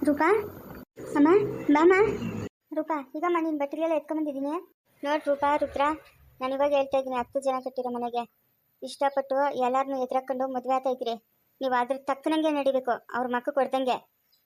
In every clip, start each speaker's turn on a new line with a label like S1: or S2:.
S1: ರೂಪಾ ಅಮ್ಮ ಬಾಮ್ಮ. ರೂಪಾ ಈಗಮ್ಮ ನೀನು ಬಟ್ಟೆಗೆಲ್ಲ ಎತ್ಕೊಂಬಂದಿದ್ದೀನಿ. ನೋಡಿ ರೂಪಾ ರುದ್ರ, ನಾನು ಇವಾಗ ಹೇಳ್ತಾ ಇದ್ದೀನಿ, 10 ಜನ ಕಟ್ಟಿರೋ ಮನೆಗೆ ಇಷ್ಟಪಟ್ಟು ಎಲ್ಲರನ್ನೂ ಎದುರಾಕೊಂಡು ಮದುವೆ ಆಗ್ತಾ ಇದ್ದೀರಿ. ನೀವು ಅದ್ರ ತಕ್ಕನಂಗೆ ನಡಿಬೇಕು, ಅವ್ರ ಮಕ್ಕಳು ಕೊಡ್ದಂಗೆ.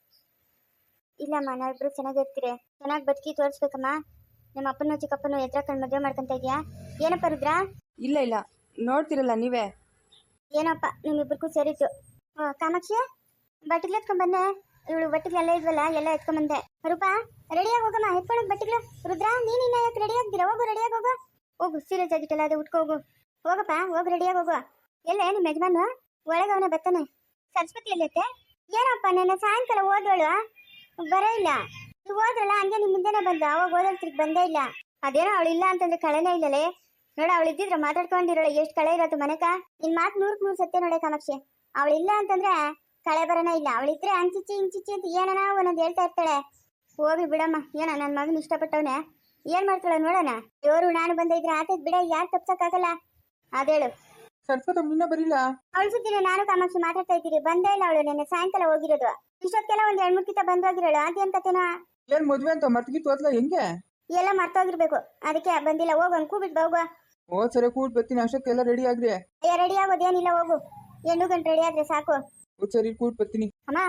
S1: ಇಲ್ಲಮ್ಮ, ನಾವಿಬ್ರು ಚೆನ್ನಾಗಿರ್ತೀರಿ, ಚೆನ್ನಾಗಿ ಬದುಕಿ ತೋರಿಸ್ಬೇಕಮ್ಮ. ನಮ್ಮ ಅಪ್ಪನ ಚಿಕ್ಕಪ್ಪನ ಎದುರಾಕೊಂಡು ಮದುವೆ ಮಾಡ್ಕೊತಾ ಇದೆಯಾ ಏನಪ್ಪ ರುದ್ರ?
S2: ಇಲ್ಲ ಇಲ್ಲ, ನೋಡ್ತಿರಲ್ಲ ನೀವೇ.
S1: ಏನಪ್ಪ ನಿಮ್ಮಿಬ್ಬರಿಗೂ ಸೇರಿತ್ತು. ಕಾಮಾಕ್ಷಿ ಬಟ್ಟೆಗಳು ಎತ್ಕೊಂಡ್ಬಂದೆ. ಇವಳು ಬಟ್ಟೆಗಳೆಲ್ಲ ಇದ್ವಲ್ಲ, ಎಲ್ಲ ಎತ್ಕೊಂಡ್ಬಂದೆ. ರೂಪಾ ರೆಡಿಯಾಗಿ ಹೋಗಮ್ಮ, ಎತ್ಕೊಳ್ಳೋದು ಬಟ್ಟೆಗಳು. ರುದ್ರ ನೀನು ಇನ್ನ ಯಾಕೆ ರೆಡಿ ಆಗ್ತೀರಾ? ಹೋಗು, ರೆಡಿಯಾಗಿ ಹೋಗು. ಹೋಗು, ಸೀರಿಯಸ್ ಆಗಿಟ್ಟಲ್ಲ, ಅದು ಉಟ್ಕೋ ಹೋಗು. ಹೋಗಪ್ಪ, ಹೋಗಿ ರೆಡಿಯಾಗಿ ಹೋಗು. ಎಲ್ಲೇ ನಿಮ್ಮ ಯಜಮಾನು? ಒಳಗೆ ಅವನೇ ಬರ್ತಾನೆ. ಸರಸ್ವತಿ ಎಲ್ಲೈತೆ? ಏನಪ್ಪ ನನ್ನ ಸಾಯಂಕಾಲ ಓದೋಳು ಬರೇ ಇಲ್ಲ. ನೀವು ಹೋದ್ರಲ್ಲ ಹಂಗೆ ನಿಮ್ಮ ಮುಂದೆನೆ ಬಂದು, ಅವಾಗ ಓದೋಳ್ತಿಗೆ ಬಂದೇ ಇಲ್ಲ. ಅದೇನೋ ಅವಳು ಇಲ್ಲ ಅಂತಂದ್ರೆ ಕಳೆನೇ ಇಲ್ಲಲೇ. ನೋಡ, ಅವಳು ಇದ್ದಿದ್ರೆ ಮಾತಾಡ್ಕೊಂಡಿರೋಳು ಎಷ್ಟು ಕಳೆ ಇರೋದು ಮನೆಕ. ನಿನ್ ಮಾತು 100ಕ್ಕೆ 100 ಸತ್ಯ ನೋಡೆ ಕಾಮಾಕ್ಷಿ. ಅವಳು ಇಲ್ಲ ಅಂತಂದ್ರೆ ಕಳೆ ಬರೋಣ ಇಲ್ಲ. ಅವಳಿದ್ರೆ ಹಂಚಿಚ್ಚಿ ಹಿಂಚಿಚ್ಚಿ ಅಂತ ಏನನ ಒಂದೊಂದು ಹೇಳ್ತಾ ಇರ್ತಾಳೆ. ಹೋಗಿ ಬಿಡಮ್ಮ, ಏನ ನನ್ನ ಮಗನ ಇಷ್ಟಪಟ್ಟವನೆ, ಏನ್ ಮಾಡ್ತಾಳೆ ನೋಡೋಣ. ಇವರು ನಾನು ಬಂದ ಇದ್ರೆ ಆತದ್ ಬಿಡ, ಯಾರು ತಪ್ಸಕ್ಕಾಗಲ್ಲ. ಅದೇಳು
S2: ಸರಸ್ವತಿ ನಿನ್ನ ಬರಿಲ್ಲ.
S1: ಅವಳು ಸುದ್ದಿನ ನಾನು ಕಾಮಾಕ್ಷಿ ಮಾತಾಡ್ತಾ ಇದ್ದೀರಿ, ಬಂದೇ ಇಲ್ಲ ಅವಳು. ನೆನ್ನೆ ಸಾಯಂಕಾಲ ಹೋಗಿರೋದು. ಇಷ್ಟೊತ್ತೆಲ್ಲ ಒಂದ್ 2-3 ಕಿತ ಬಂದೋಗಿರೋಳು. ಅದೇನ್ ಕತೆನಾ?
S2: ಏನ್ ಮದ್ವೆ ಅಂತ ಮರ್ತಿಗಿತ್ತು ಹೋದ್ಲ ಹೆಂಗೆ?
S1: ಎಲ್ಲ ಮರ್ತೋಗಿರ್ಬೇಕು, ಅದಕ್ಕೆ ಬಂದಿಲ್ಲ. ಹೋಗು, ಕೂಬಿಟ್ಟು ಹೋಗು.
S2: ಓ ಸರಿ, ಕೂಡ್ ಬರ್ತೀನಿ. ಅಷ್ಟಕ್ಕೆಲ್ಲ ರೆಡಿ ಆಗ್ರಿ.
S1: ರೆಡಿ ಆಗೋದೇನಿಲ್ಲ, ಹೋಗು. 8 ಗಂಟೆ ರೆಡಿ ಆದ್ರೆ ಸಾಕು.
S2: ಸರಿ, ಕೂಡ್ ಬರ್ತೀನಿ.
S1: ಅಮ್ಮ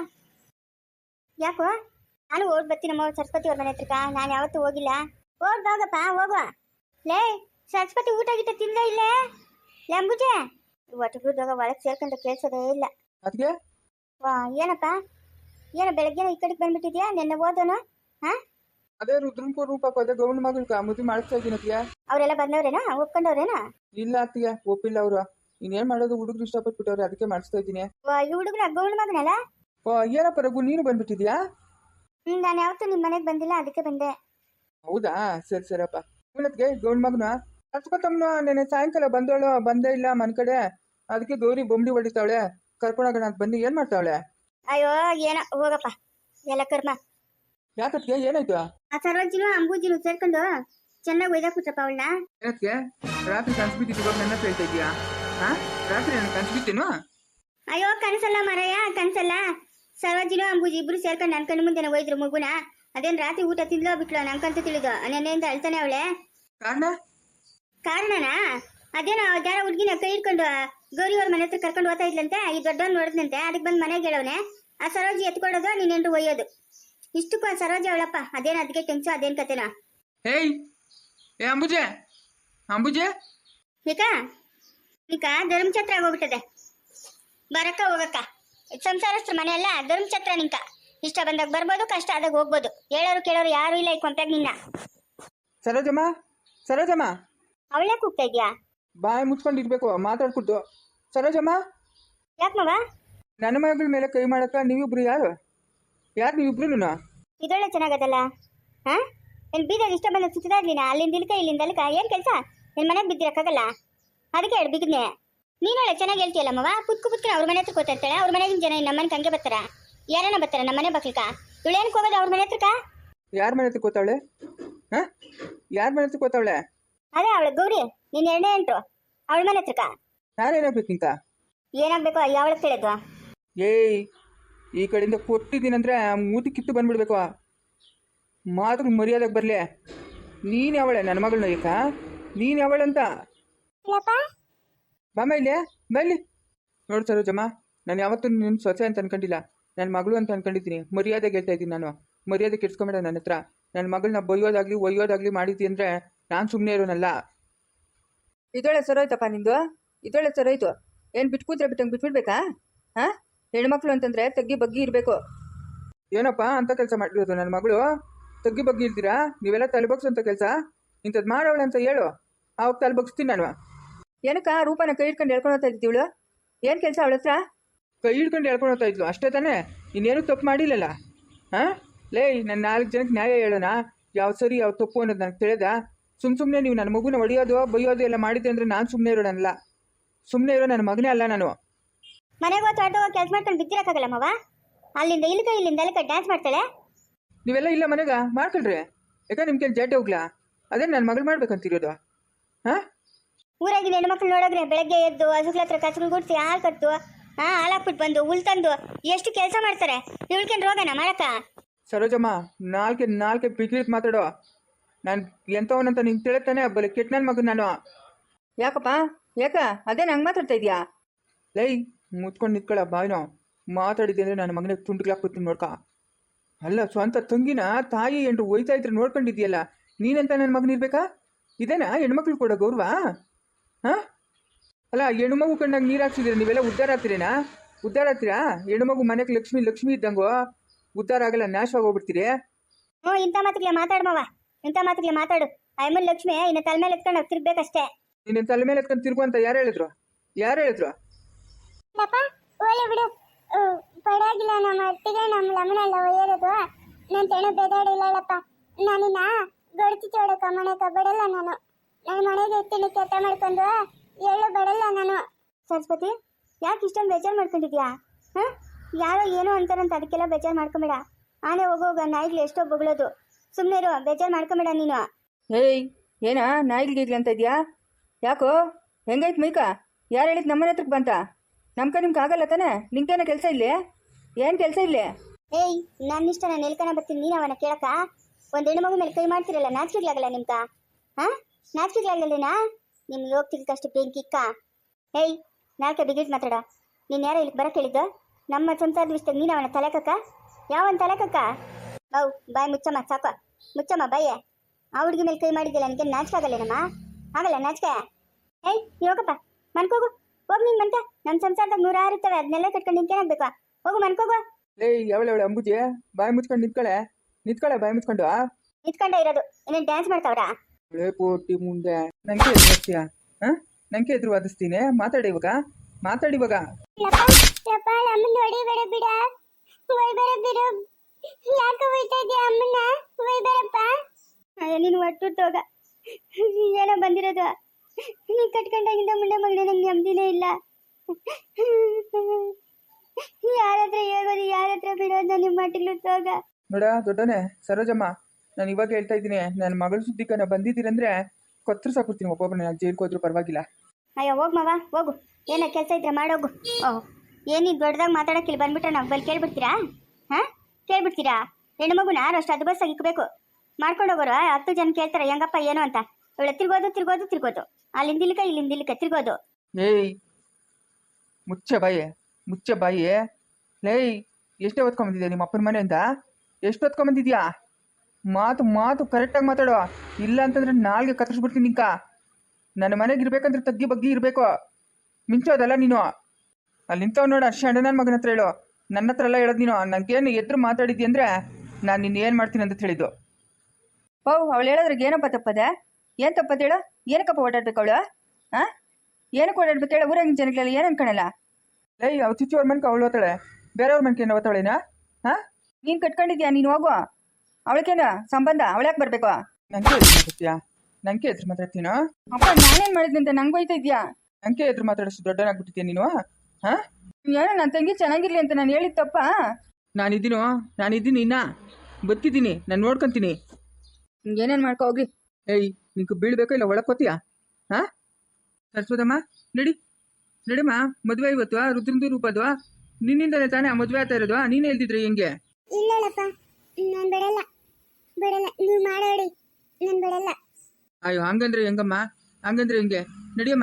S1: ಯಾಕೋ? ನಾನು ಓಡ್ ಬರ್ತೀನಮ್ಮ ಸರಸ್ವತಿ ಅವ್ರ ಮನೆ ಹತ್ರಕ್ಕ. ನಾನು ಯಾವತ್ತೂ ಹೋಗಿಲ್ಲ. ಓಡ್ ಹೋಗಪ್ಪ, ಹೋಗುವ. ಲೇ ಸರಸ್ವತಿ ಊಟ ಗಿಟ್ಟ ತಿಂದ ಇಲ್ಲೇ? ಲಂಬುಜೆ ಒಟ್ಟುಗುಡ್ದಾಗ ಒಳಗೆ ಸೇರ್ಕೊಂಡು ಕೇಳ್ಸೋದೇ ಇಲ್ಲ.
S2: ಅದಕ್ಕೆ
S1: ವಾ ಏನಪ್ಪ, ಏನೋ ಬೆಳಗ್ಗೆ ಈ ಕಡೆಗೆ ಬಂದ್ಬಿಟ್ಟಿದ್ಯಾ? ನಿನ್ನೆ ಓದೋನು? ಹಾ,
S2: ಅದೇ ರುದ್ರಂಕೋ ರೂಪಕ್ಕೋ ಅದೇ ಗೌಂಡ್ ಮಗಳ್ಕ ಮದುವೆ ಮಾಡಿಸ್ತಾ ಇದ್ದೀನಿ ಅತ್ತಿಗೆ.
S1: ಅವರೆಲ್ಲ ಬಂದವ್ರೇನಾ? ಒಪ್ಕೊಂಡವ್ರೇನಾ?
S2: ಇಲ್ಲ ಅತ್ತಿಗೆ, ಒಪ್ಪಿಲ್ಲ ಅವರು. ಇನ್ನೇನ್ ಮಾಡೋದು, ಹುಡುಗರು ಇಷ್ಟಪಟ್ಬಿಟ್ಟವ್ರೆ, ಅದಕ್ಕೆ ಮಾಡಿಸ್ತಾ ಇದ್ದೀನಿ.
S1: ಈ ಹುಡುಗನ ಗೌಂಡ್ ಮಗನಲ್ಲ?
S2: ಓ ಏನಪ್ಪ ರಘು, ನೀನು ಬಂದ್ಬಿಟ್ಟಿದ್ಯಾ?
S1: ನಾನು ಯಾವತ್ತೂ ನಿಮ್ಮ ಮನೆಗೆ ಬಂದಿಲ್ಲ, ಅದಕ್ಕೆ ಬಂದೆ.
S2: ಹೌದಾ, ಸರಿ ಸರಿಯಪ್ಪ. ಇವನತ್ಗೆ ಗೌಂಡ್ ಮಗನ ಹಚ್ಕೊತಮ್ಮನ ನೆನೆ ಸಾಯಂಕಾಲ ಬಂದೇ ಇಲ್ಲ ಮನ್ ಕಡೆ. ಅದಕ್ಕೆ ಗೌರಿ ಬೊಂಬಡಿ ಹೊಡಿತಾವಳೆ, ಕರ್ಕೊಂಡೋಗೋಣ ಅಂತ ಬನ್ನಿ. ಏನ್ ಮಾಡ್ತಾವಳೆ?
S1: ಅಯ್ಯೋ ಏನೋ ಹೋಗಪ್ಪ, ಎಲ್ಲ ಕರ್ಮ.
S2: ಯಾಕತ್ಗೆ ಏನಾಯ್ತು?
S1: ಆ ಸರ್ವಜ್ಜಿನೂ ಅಂಬೂಜಿನೂ ಸೇರ್ಕೊಂಡು ಚೆನ್ನಾಗಿ ಒಯ್ದಾಕ್ಬಿಟ್ರಪ್ಪ ಅವಳನ್ನ.
S2: ಏನಕ್ಕೆ ರಾತ್ರಿ ಕನ್ಸ್ಬಿಟ್ಟಿದ್ದು ಇವಾಗ ನನ್ನ ಹೇಳ್ತಾ ಇದೀಯಾ? ಹಾ, ರಾತ್ರಿ ನನಗೆ ಕನ್ಸ್ಬಿಟ್ಟೇನು?
S1: ಅಯ್ಯೋ ಕನಸಲ್ಲ ಮರಯ್ಯ, ಕನಸಲ್ಲ. ಸರ್ವಜ್ಜಿನೂ ಅಂಬೂಜಿ ಇಬ್ರು ಸೇರ್ಕೊಂಡು ನನ್ನ ಕಣ್ಣು ಮುಂದೆನೆ ಒಯ್ದ್ರು ಮಗುನ. ಅದೇನ್ ರಾತ್ರಿ ಊಟ ತಿಂದ್ಲೋ ಬಿಟ್ಲೋ ನಂಗಂತ ತಿಳಿದು. ನೆನ್ನೆಯಿಂದ ಅಳ್ತಾನೆ ಅವಳೆ. ಕಾರಣನಾ? ಅದೇನೋ ಯಾರ ಹುಡುಗಿನ ಕೈ ಇಟ್ಕೊಂಡು ಗೌರಿ ಅವ್ರ ಮನೆ ಹತ್ರ ಕರ್ಕೊಂಡು ಹೋಗ್ತಾ ಇದ್ಲಂತೆ. ಈ ದೊಡ್ಡವನ್ ನೋಡಿದ್ನಂತೆ, ಅದಕ್ಕೆ ಬಂದು ಮನೆಗೆ ಹೇಳವನೆ. ಆ ಸರೋಜಿ ಎತ್ಕೊಡೋದು, ನೀನೆಂಟು ಒಯ್ಯೋದು. ಇಷ್ಟಕ್ಕೂ ಆ ಸರೋಜಿ ಅವಳಪ್ಪ. ಅದೇನು ಅದಕ್ಕೆ ಟೆನ್ಸು, ಅದೇನ್ ಕತೆನಾ?
S2: ಹೇಯ್ ಏ ಅಂಬುಜೆ, ಅಂಬುಜೆ
S1: ಈಗ ಧರ್ಮಛತ್ರ ಆಗೋಗ್ಬಿಟ್ಟದೆ. ಬರಕ್ಕ ಹೋಗಕ್ಕ, ಸಂಸಾರಸ್ತ್ರ ಮನೆ ಅಲ್ಲ ಧರ್ಮಛತ್ರ. ನಿಂಕ ಇಷ್ಟ ಬಂದಾಗ ಬರ್ಬೋದು, ಕಷ್ಟ ಆದಾಗ ಹೋಗ್ಬೋದು. ಹೇಳೋರು ಕೇಳೋರು ಯಾರು ಇಲ್ಲ ಈ ಕೊಂಪ್ಯಾಗ ನಿನ್ನ.
S2: ಸರೋಜಮ್ಮ, ಸರೋಜಮ್ಮ,
S1: ಅವಳೇ ಕೂಗ್ತಾ ಇದ್ಯಾ?
S2: ಬಾಯಿ ಮುಚ್ಕೊಂಡಿರ್ಬೇಕು, ಮಾತಾಡ್ಕೊಟ್ಟು. ಸರೋಜಮ್ಮ,
S1: ಯಾಕೆ ಮವ?
S2: ನನ್ನ ಮಗಳ ಮೇಲೆ ಕೈ ಮಾಡಕ್ಕ ನೀವಿಬ್ರು ಯಾರು ನೀವಿಬ್ರು?
S1: ಇದೊಳ್ಳೆ ಚೆನ್ನಾಗದಲ್ಲ. ಹಾ, ಏನ್ ಬೀದಾಗ ಇಷ್ಟ ಬಂದಾಗ ಸುತ್ತಿದ ಇರ್ಲಿನ? ಅಲ್ಲಿಂದ ಇಲ್ಕ ಇಲ್ಲಿಂದ ಅಲ್ಕ ಏನ್ ಕೆಲಸ? ನಿನ್ ಮನೆಗೆ ಬಿದ್ದಿರಕ್ಕಾಗಲ್ಲ, ಅದಕ್ಕೆ ಹೇಳಿ ಬಿಗಿದ್ನೆ. ನೀನೊಳ್ಳೆ ಚೆನ್ನಾಗಿ ಹೇಳ್ತೀಯಲ್ಲ ಮವ. ಪುತ್ಕ ಅವ್ರ ಮನೆ ಹತ್ರ ಕೂತಾ ಇರ್ತಾಳೆ. ಅವ್ರ ಮನೆಗಿನ ಜನ ನಮ್ಮ ಮನೆಗೆ ಹಂಗೆ ಬರ್ತಾರ? ಯಾರನ್ನ ಬರ್ತಾರ ನಮ್ಮ ಮನೆ ಬಕ್ಲಿಕ? ಇವಳೇನಕ್ಕೆ ಹೋಗೋದು ಅವ್ರ ಮನೆ ಹತ್ರಕ್ಕ?
S2: ಯಾರ ಮನೆ ಹತ್ರ ಕೂತಾವಳೆ? ಹಾ, ಯಾರ ಮನೆ ಹತ್ರ ಕೂತಾವಳೆ?
S1: ಅದೇ ಅವಳ ಗೌರಿ, ನೀನ್ 2ನೇ ಎಂಟು ಅವಳ ಮನೆ ಹತ್ರಕ್ಕ.
S2: ನಾನೇನಾಗ್ಬೇಕು ನಿಂಕ?
S1: ಏನಾಗ್ಬೇಕು ಯಾವಳ ತಿಳಿದ್ವಾ?
S2: ಏಯ್, ಈ ಕಡೆಯಿಂದ ಕೊಟ್ಟಿದ್ದೀನಂದ್ರೆ ಮೂತಿ ಕಿತ್ತು ಬಂದ್ಬಿಡ್ಬೇಕು. ಮಾತು ಮರ್ಯಾದಕ್ಕೆ ಬರಲಿ. ನೀನು ಯಾವಳೆ ನನ್ನ ಮಗಳನ್ನ? ಈಗ ನೀನು ಯಾವಳಂತ ಬಾಮ ಇಲ್ಲಿ ಬಲ್ಲಿ. ನೋಡು ಸರೋಜಮ್ಮ, ನಾನು ಯಾವತ್ತೂ ನಿನ್ನ ಸೊಸೆ ಅಂತ ಅನ್ಕೊಂಡಿಲ್ಲ, ನನ್ನ ಮಗಳು ಅಂತ ಅನ್ಕೊಂಡಿದ್ದೀನಿ. ಮರ್ಯಾದೆ ಹೇಳ್ತಾ ಇದ್ದೀನಿ ನಾನು. ಮರ್ಯಾದೆ ಕೆಡ್ಸ್ಕೊಂಬೇಡ ನನ್ನ ಹತ್ರ. ನನ್ನ ಮಗಳನ್ನ ಬೈಯೋದಾಗ್ಲಿ ಒಯ್ಯೋದಾಗ್ಲಿ ಮಾಡಿದ್ದಿ ಅಂದರೆ ನಾನು ಸುಮ್ಮನೆ ಇರೋನಲ್ಲ.
S3: ಇದೊಳ್ಳೆ ಸರೋಯ್ತಪ್ಪ ನಿಂದು, ಇದೊಳ್ಳೆ ಸರೋಯ್ತು. ಏನು ಬಿಟ್ಕೂತ್ರೆ ಬಿಟ್ಟಂಗೆ ಬಿಟ್ಬಿಡ್ಬೇಕಾ? ಹಾಂ, ಹೆಣ್ಮಕ್ಳು ಅಂತಂದರೆ ತಗ್ಗಿ ಬಗ್ಗಿ ಇರಬೇಕು.
S2: ಏನಪ್ಪ ಅಂತ ಕೆಲಸ ಮಾಡಿರೋದು ನನ್ನ ಮಗಳು? ತಗ್ಗಿ ಬಗ್ಗೆ ಇರ್ತೀರಾ ನೀವೆಲ್ಲ ತಲೆಬಗ್ಸಂತ ಕೆಲಸ? ಇಂಥದ್ದು ಮಾಡೋಳೆ ಅಂತ ಹೇಳು, ಆವಾಗ ತಲೆಬಗ್ಸ್ತೀನಿ ನಾನು.
S3: ಏನಕ್ಕ ರೂಪನ ಕೈ ಇಟ್ಕೊಂಡು ಹೇಳ್ಕೊಂಡು ಹೋಗ್ತಾ ಇದ್ದೀವಳು? ಏನು ಕೆಲಸ ಅವಳ ಹತ್ರ?
S2: ಕೈ ಹಿಡ್ಕೊಂಡು ಹೇಳ್ಕೊಂಡು ಹೋಗ್ತಾ ಇದ್ಲು ಅಷ್ಟೇ ತಾನೇ? ಇನ್ನೇನು ತಪ್ಪು ಮಾಡಿಲ್ಲಲ್ಲ? ಹಾಂ, ಲೇ ನನ್ನ 4 ಜನಕ್ಕೆ ನ್ಯಾಯ ಹೇಳೋಣ, ಯಾವ ಸರಿ ಯಾವ ತಪ್ಪು ಅನ್ನೋದು ನನಗೆ ತಿಳಿದ. ಸುಮ್ಮನೆ ನೀವು ನನ್ನ ಮಗುನ ಹೊಡೆಯೋದು ಬೈಯೋದು ಎಲ್ಲ ಮಾಡಿದ್ದೆ ಅಂದರೆ ನಾನು ಸುಮ್ಮನೆ ಇರೋಣಲ್ಲ. ಸುಮ್ಮನೆ ಇರೋ ನನ್ನ ಮಗನೇ ಅಲ್ಲ ನಾನು.
S1: ಮನೆಗೆ ಹೋಗಿ ಆಟೋ ಕೆಲಸ ಮಾಡ್ಕೊಂಡು ಬಿದ್ದಿರಕ್ಕಾಗಲ್ಲ ಮವ. ಅಲ್ಲಿಂದ ಇಲ್ಲಿಂದ ಅಲ್ಲಿಗೆ ಡ್ಯಾನ್ಸ್ ಮಾಡ್ತಾಳೆ.
S2: ನೀವೆಲ್ಲ ಇಲ್ಲ ಮನೆಗ ಮಾಡ್ಕೊಳ್ರಿ. ಯಾಕೆ ನಿಮ್ಗೆ ಜಡ್ಡೆ ಹೋಗ್ಲಾ? ಅದೇ ನನ್ನ ಮಗಳು ಮಾಡ್ಬೇಕಂತಿರೋದು. ಹಾಂ,
S1: ಊರಾಗಿನ ಹೆಣ್ಮಕ್ಳು ನೋಡೋಗ್ರೆ ಬೆಳಗ್ಗೆ ಎದ್ದು ಹಸುಗಳ ಹತ್ರ ಕಸಗಳು ಗುಡಿಸಿ ಹಾಲು ಕಟ್ಟು ಹಾಲಾಕ್ಬಿಟ್ಟು ಬಂದು ಹುಲ್ ತಂದು ಎಷ್ಟು ಕೆಲಸ ಮಾಡ್ತಾರೆ. ಇವಳ್ಕೇನು ರೋಗನ ಮಾಡಕ್ಕ?
S2: ಸರೋಜಮ್ಮ, ನಾಲ್ಕೆ ಬಿಗ್ರಿತ್ ಮಾತಾಡೋ. ನಾನು ಎಂಥವನಂತ ನಿಂಗೆ ತಿಳಿತಾನೆ ಬಲೆ ಕೆಟ್ಟ ನನ್ನ ಮಗನ ನಾನು.
S3: ಯಾಕಪ್ಪ ಯಾಕ ಅದೇ ನಂಗೆ ಮಾತಾಡ್ತಾ ಇದೀಯಾ?
S2: ಲೈ ಮುತ್ಕೊಂಡು ನಿಂತ್ಕೊಳ್ಳ ಬಾಯ್ನೋ. ಮಾತಾಡಿದ್ದೆ ಅಂದರೆ ನನ್ನ ಮಗನಿಗೆ ತುಂಡುಗ್ಲಾಕ್ಬಿಡ್ತೀನಿ ನೋಡ್ಕ. ಅಲ್ಲ, ಸ್ವಂತ ತಂಗಿನ ತಾಯಿ ಎಂಟು ಒಯ್ತಾ ಇದ್ರೆ ನೋಡ್ಕೊಂಡಿದ್ಯಲ್ಲ, ನೀನೆಂತ ನನ್ನ ಮಗನ ಇರ್ಬೇಕಾ? ಇದೇನಾ ಹೆಣ್ಮಕ್ಳು ಕೊಡೋ ಗೌರವ? ಹಾಂ ಅಲ್ಲ, ಹೆಣ್ಮಗು ಕಂಡಾಗ ನೀರು ಹಾಕ್ಸಿದ್ರೆ ನೀವೆಲ್ಲ ಉದ್ಧಾರ ಆಗ್ತೀರೇನಾ? ಉದ್ಧಾರ ಆಗ್ತೀರಾ? ಹೆಣ್ಮಗು ಮನೆಗೆ ಲಕ್ಷ್ಮಿ ಇದ್ದಂಗೋ ಉದ್ಧಾರ ಆಗಲ್ಲ, ನಾಶವಾಗಿ ಹೋಗ್ಬಿಡ್ತೀರಿ.
S1: ಹ್ಞೂ, ಇಂಥ ಮಾತುಗಳ ಮಾತಾಡ್ಮವ, ಇಂಥ ಮಾತುಗಳ ಮಾತಾಡು. ಅಯ್ಯಮ್ಮನ ಲಕ್ಷ್ಮಿ ಇನ್ನು ತಲೆ ಮೇಲೆ ಎತ್ಕೊಂಡು ತಿರ್ಬೇಕಷ್ಟೇ.
S2: ನೀನು ತಲೆ ಮೇಲೆ ಎತ್ಕೊಂಡು ತಿರ್ಗು ಅಂತ ಯಾರು ಹೇಳಿದ್ರು?
S1: ಒಳ್ಳೆ ಬಿಡು, ಪರವಾಗಿಲ್ಲ. ನಮ್ಮ ಅತ್ತಿಗೆ ನಮ್ಮ ಲಮ್ಮನೆಲ್ಲ ಒಯ್ಯರೋದು ನನ್ನ ತೆಣು ಬೆದಾಡಿಲ್ಲಪ್ಪ. ನಾನಿನ್ನ ಗಡ್ತಿ ಚೋಡಕ ಮನೆಕ ಬಿಡಲ್ಲ. ನಾನು ನನ್ನ ಮನೆಗೆ ಎತ್ತಿನ ಕೆಲಸ ಮಾಡ್ಕೊಂಡು ಎಳ್ಳು ಬಿಡಲ್ಲ ನಾನು. ಸರಸ್ವತಿ, ಯಾಕೆ ಇಷ್ಟೊಂದು ಬೇಜಾರು ಮಾಡ್ಕೊಂಡಿದ್ಯಾ? ಹಾಂ, ಯಾರೋ ಏನೋ ಅಂತಾರಂತ ಅದಕ್ಕೆಲ್ಲ ಬೇಜಾರು ಮಾಡ್ಕೊಂಬೇಡ. ಆನೆ ಹೋಗೋಗ ನಾಯಿಗಳು ಎಷ್ಟೋ ಬೊಗಳೋದು. ಸುಮ್ಮನೆ ಇರು, ಬೇಜಾರು ಮಾಡ್ಕೊಂಬೇಡ ನೀನು.
S3: ಏಯ್, ಏನಾ ನಾಯಿಗ್ಲಿ ಅಂತ ಇದೆಯಾ? ಯಾಕೋ ಹೆಂಗೈತೆ ಮೈಕ? ಯಾರು ಹೇಳಿದ್ ನಮ್ಮನೆ ಹತ್ರಕ್ಕೆ ಬಂತ? ನಿಮ್ಗೆ ಆಗಲ್ಲ ತಾನೆ? ನಿಂಗೇನೋ ಕೆಲಸ ಇಲ್ಲೇ? ಏನು ಕೆಲಸ ಇಲ್ಲೇ?
S1: ಏಯ್, ನನ್ನ ಇಷ್ಟ ನಾನು ಎಲ್ಕನ ಬರ್ತೀನಿ, ನೀನು ಅವನ ಕೇಳಕ? ಒಂದು ಹೆಣ್ಣು ಮಗು ಮೇಲೆ ಕೈ ಮಾಡ್ತಿರಲ್ಲ, ನಾಚಿಕೆಗ್ಲಾಗಲ್ಲ ನಿಮ್ಗ? ಹಾಂ, ನಾಚಿಕೆಗ್ಲಾಗಲ್ಲೇನಾ? ನಿಮ್ಗೆ ಹೋಗ್ತಿದ್ದಷ್ಟು ಬೆಂಕಿಕ್ಕ. ಏಯ್, ನಾಲ್ಕೆ ಬಿಗಿಟ್ ಮಾತಾಡ. ನೀನು ಯಾರೋ ಇಲ್ಲಿ ಬರಕ್ಕೆ ಹೇಳಿದ್ದು? ನಮ್ಮ ಸಂಸಾರದ ವಿಷಯದಾಗ ನೀನು ಅವನ ತಲೆಕಕ್ಕ? ಯಾವನ್ ತಲೆಕಕ್ಕ? ಹೌ ಬಾಯ್ ಮುಚ್ಚಮ್ಮ, ಸಾಕು ಮುಚ್ಚಮ್ಮ ಬಾಯೇ. ಆ ಹುಡುಗಿ ಮೇಲೆ ಕೈ ಮಾಡಿದ್ದಿಲ್ಲ, ನನಗೆ ನಾಚಿಕಾಗಲ್ಲೇನಮ್ಮ? ಆಗಲ್ಲ ನಾಚಿಕೆ? ಏಯ್, ನೀವು ಹೋಗಪ್ಪ, ಮನ್ಕೋಗು, ಹೋಗಿ ನೀನು ಮನ್ಕ. ನಮ್ಮ ಸಂಸಾರದಾಗ 106 ಇರ್ತವೆ, ಅದನ್ನೆಲ್ಲ ಕಟ್ಕೊಂಡು ನಿಂತೇನಾಗಬೇಕು? ಹೋಗು ಮನ್ಕೋಗು.
S2: ಏಯ್, ಯಾವಳೆ ಅಂಬುಜಿ, ಬಾಯಿ ಮುಚ್ಕೊಂಡು ನಿಂತ್ಕೊಳ್ಳೆ ಬಾಯಿ ಮುಚ್ಕೊಂಡು.
S1: ನಿಂತ್ಕೊಂಡೇ ಇರೋದು, ಇನ್ನೇನು ಡ್ಯಾನ್ಸ್ ಮಾಡ್ತಾವ್ರಾ?
S2: ಪೋಟಿ ಮುಂದೆ ನಂಗೆ ಎದುರಿಸ್ತೀಯಾ? ಹಾಂ, ನಂಗೆ ಎದುರು ವಾದಿಸ್ತೀನಿ. ಮಾತಾಡಿ ಇವಾಗ. ನೀನು ಒಟ್ಟುತ್ತೋಗ ಏನೋ ಬಂದಿರೋದು. ನೀ ಕಟ್ಕೊಂಡಾಗಿಂದ ಮುಂದೆ ಮಗನೇ ನಂಗೆ ನೆಮ್ಮದಿನೇ ಇಲ್ಲ. ಯಾರತ್ರ ಹೇಗೋದು, ಯಾರತ್ರ ಬಿಡೋದು? ನಿಮ್ಮ ಮಟ್ಟಿಗೆ ತೋಗ ನೋಡ ದೊಡ್ಡನೆ. ಸರೋಜಮ್ಮ, ನಾನು ಇವಾಗ ಹೇಳ್ತಾ ಇದ್ದೀನಿ, ನನ್ನ ಮಗಳ ಸುದ್ದಿಕನ ಬಂದಿದ್ದೀರಂದ್ರೆ ಕೊತ್ತರು ಸಾಕ್ಬಿಡ್ತೀನಿ ಒಬ್ಬೊಬ್ಬನ. ನಾನು ಜೈಲ್ಗೆ ಹೋದ್ರೂ ಪರವಾಗಿಲ್ಲ. ಅಯ್ಯೋ ಹೋಗ್ ಮಾವ ಹೋಗು, ಏನೋ ಕೆಲಸ ಇದ್ರೆ ಮಾಡೋಗು. ಓಹ್, ಏನಿದು ದೊಡ್ಡದಾಗಿ ಮಾತಾಡೋಕ್ಕಿಲ್ಲ, ಬಂದ್ಬಿಟ್ರೆ ನಾವು ಬಲ್ಲಿ ಕೇಳ್ಬಿಡ್ತೀರಾ? ಹಾಂ, ಕೇಳ್ಬಿಡ್ತೀರಾ? ಹೆಣ್ಣು ಮಗುನ ಅಷ್ಟು ಅದು ಬಸ್ಸಾಗಿ ಇಕ್ಕಬೇಕು. ಮಾಡ್ಕೊಂಡು ಹೋಗೋರು 10 ಜನ ಕೇಳ್ತಾರೆ ಹೆಂಗಪ್ಪ ಏನು ಅಂತ. ಇವಳು ತಿರ್ಗೋದು ಅಲ್ಲಿಂದ ಇಲ್ಲಿಕ ತಿರ್ಗೋದು. ಏಯ್, ಮುಚ್ಚೆ ಬಾಯಿ. ಲೇಯ್, ಎಷ್ಟೇ ಓದ್ಕೊಂಬಂದಿದ್ಯಾ ನಿಮ್ಮ ಅಪ್ಪನ ಮನೆಯಿಂದ? ಎಷ್ಟು ಓದ್ಕೊಂಬಂದಿದ್ಯಾ? ಮಾತು ಕರೆಕ್ಟಾಗಿ ಮಾತಾಡೋ. ಇಲ್ಲ ಅಂತಂದ್ರೆ ನಾಲ್ಗೆ ಕತ್ತರಿಸ್ಬಿಡ್ತೀನಿ ನಿಂಕ. ನನ್ನ ಮನೆಗೆ ಇರ್ಬೇಕಂದ್ರೆ ತಗ್ಗಿ ಬಗ್ಗಿ ಇರಬೇಕು, ಮಿಂಚೋದಲ್ಲ ನೀನು. ಅಲ್ಲಿ ನಿಂತವ್ ನೋಡು, ಅಷ್ಟೇ ಅಣ್ಣ ನನ್ನ ಮಗನ ಹತ್ರ ಹೇಳು, ನನ್ನ ಹತ್ರ ಎಲ್ಲ ಹೇಳೋದು ನೀನು. ನನಗೇನು ಎದುರು ಮಾತಾಡಿದ್ದಿ ಅಂದರೆ ನಾನು ನಿನ್ನ ಏನು ಮಾಡ್ತೀನಿ ಅಂತ ಹೇಳಿದ್ದು.
S3: ಓ, ಅವಳು ಹೇಳೋದ್ರಿಗೆ ಏನಪ್ಪ ತಪ್ಪದೆ? ಏನು ತಪ್ಪದ ಹೇಳು? ಏನಕ್ಕಪ್ಪ ಓಡಾಡ್ಬೇಕು ಅವಳು? ಹಾಂ, ಏನಕ್ಕೆ ಓಡಾಡ್ಬೇಕು ಹೇಳು? ಊರಾಗಿನ ಜನಗಳೆಲ್ಲ ಏನು ಅನ್ಕೊಳಲ್ಲ?
S2: ಏಯ್, ಅವ್ರು ಚಿಚ್ಚವ್ರ ಮನ್ಕೆ ಅವಳು ಓದ್ತಾಳೆ, ಬೇರೆಯವ್ರ ಮನ್ಕೆ ಏನು ಓದ್ತಾಳೇನಾ? ಹಾಂ,
S3: ನೀನು ಕಟ್ಕೊಂಡಿದ್ಯಾ? ನೀನು ಹೋಗು, ಅವಳಕ್ಕೇನು ಸಂಬಂಧ? ಅವಳ್ಯಾಕೆ ಬರಬೇಕು?
S2: ನಂಗೆ ಎದುರು ಮಾತಾಡ್ತೀನೋ?
S3: ಅಪ್ಪ, ನಾನೇನು ಮಾಡಿದ್ನಿ ಅಂತ ನಂಗೆ ಹೋಯ್ತಾ ಇದೆಯಾ?
S2: ನಂಗೆ ಎದುರು ಮಾತಾಡೋಷ್ಟು ದೊಡ್ಡನಾಗ್ಬಿಟ್ಟಿದ್ಯಾ ನೀನು? ಹಾಂ,
S3: ಏನೋ ನನ್ನ ತಂಗಿ ಚೆನ್ನಾಗಿರ್ಲಿ ಅಂತ ನಾನು ಹೇಳಿದ ತಪ್ಪ?
S2: ನಾನಿದ್ದೀನಿ ಇನ್ನ ಬತ್ತಿದ್ದೀನಿ, ನಾನು ನೋಡ್ಕೊತೀನಿ.
S3: ಏನೇನು ಮಾಡ್ಕೊ ಹೋಗಿ.
S2: ಏಯ್, ನಿಂಗೆ ಬೀಳ್ಬೇಕೋ ಇಲ್ಲ ಒಳಕೋತೀಯಾ? ಹಾಂ, ಸರಸ್ವತಮ್ಮ ನಡಿಮ್ಮ, ಮದುವೆ ಇವತ್ತು ರುದ್ರಂದು ರೂಪದು. ನಿನ್ನಿಂದಲೇ ತಾನೇ ಆ ಮದುವೆ ಆಗ್ತಾ ಇರೋದು. ನೀನು ಹೇಳ್ತಿದ್ರಿ ಹೆಂಗೆ?
S1: ಇಲ್ಲಪ್ಪ, ನಾನು ಬಿಡಲ್ಲ, ನೀವು ಮಾಡೋಡಿ, ನಾನು ಬಿಡಲ್ಲ.
S2: ಅಯ್ಯೋ, ಹಂಗಂದ್ರೆ ಹೆಂಗಮ್ಮ? ಹಂಗಂದ್ರೆ ಹೆಂಗೆ? ನಡಿಯಮ್ಮ.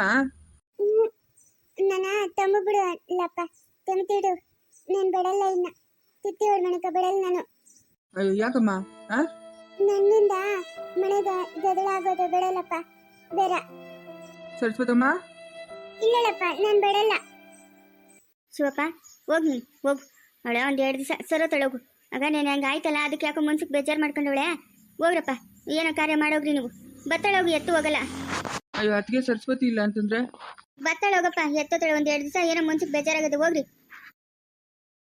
S1: ನನ್ನ ತಮ್ಮ ಬಿಡು ಇಲ್ಲಪ್ಪ, ತಮ್ತಿಡು, ನಾನು ಬಿಡಲ್ಲ. ಇನ್ನ ತಿತ್ತಿ ಹೊಡ್ ಮನೆಕ ಬಿಡಲ್ಲ ನಾನು.
S2: ಅಯ್ಯೋ, ಯಾಕಮ್ಮ? ಹಾಂ,
S1: ನನ್ನಿಂದ ಮನೆಗೆ ಜಗಳ ಆಗೋದು ಬಿಡಲ್ಲಪ್ಪ. ಬೇಡ
S2: ಸರಸ್ವತಮ್ಮ.
S1: ಇಲ್ಲಪ್ಪ, ನಾನು ಬಿಡಲ್ಲ. ಶಿವಪ್ಪ, ಹೋಗಿ ನೀನು ಹೋಗು. ಅವಳೆ 1-2 ದಿವಸ ಸರೋತಳೋಗು. ಆಗ ನಾನು ಹಂಗೆ ಆಯ್ತಲ್ಲ, ಅದಕ್ಕೆ ಯಾಕೋ ಮನ್ಸಿಗೆ ಬೇಜಾರು ಮಾಡ್ಕೊಂಡವಳೆ. ಹೋಗ್ರಪ್ಪ, ಏನೋ ಕಾರ್ಯ ಮಾಡೋಗ್ರಿ ನೀವು. ಬತ್ತಳೋಗಿ, ಎತ್ತು ಹೋಗಲ್ಲ.
S2: ಅಯ್ಯೋ, ಅದಕ್ಕೆ ಸರಸ್ವತಿ ಇಲ್ಲ ಅಂತಂದ್ರೆ
S1: ಬತ್ತಳೋಗಪ್ಪ, ಎತ್ತೋತಳೆ. 1-2 ದಿವಸ ಏನೋ ಮನ್ಸಿಗೆ ಬೇಜಾರಾಗದು, ಹೋಗ್ರಿ.